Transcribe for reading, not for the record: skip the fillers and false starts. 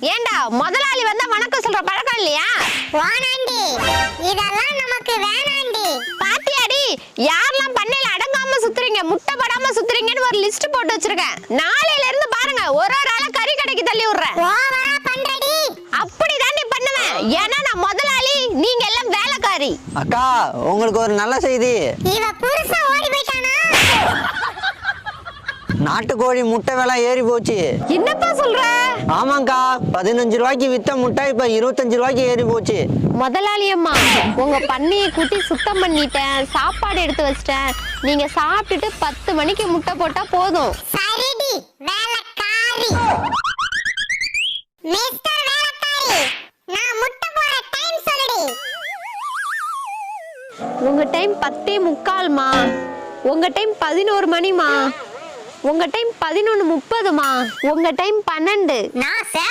ஏண்டா முதலாளி வந்தா வணக்கம் சொல்ற பழக்கம் இல்லையா? வானாண்டி, இதெல்லாம் நமக்கு வேணாண்டி. பாத்தியாடி யாரெல்லாம் பண்ணையில அடங்காம சுத்துறீங்க, முட்டை படாம சுத்துறீங்கன்னு ஒரு லிஸ்ட் போட்டு வச்சிருக்கேன். நாளையில இருந்து பாருங்க ஒரு ஆளா கறி கடைக்கு தள்ளி விடுறேன். ஓவரா பண்றடி. அப்படிதான் நீ பண்ணுவேன். ஏன்னா நான் முதலாளி, நீங்க எல்லாம் வேலைக்காரி. அக்கா, உங்களுக்கு ஒரு நல்ல செய்தி. இவ புருஷன் ஓடி போயிட்டானா? நாட்டுக்கோழி முட்டை விலை ஏறி போச்சு. என்னப்பா சொல்ற? ஆமாங்கா, 15 ரூபாய்க்கு வித்த முட்டை இப்ப 25 ரூபாய்க்கு ஏறி போச்சு. முதலாளி அம்மா, உங்க பண்ணையை கூட்டி சுத்தம் பண்ணிட்டேன், சாப்பாடு எடுத்து வச்சிட்டேன். நீங்க சாப்பிட்டுட்டு 10 மணிக்கு முட்டை போட்டா போதும். சரிடி வேலைக்காரி. மிஸ்டர் வேலைக்காரி, நான் முட்டை போற டைம் சொல்லுடி. உங்க டைம் 10:45மா, உங்க டைம் 11 மணிமா, உங்க டைம் 11:30மா, உங்க டைம் 12. நான்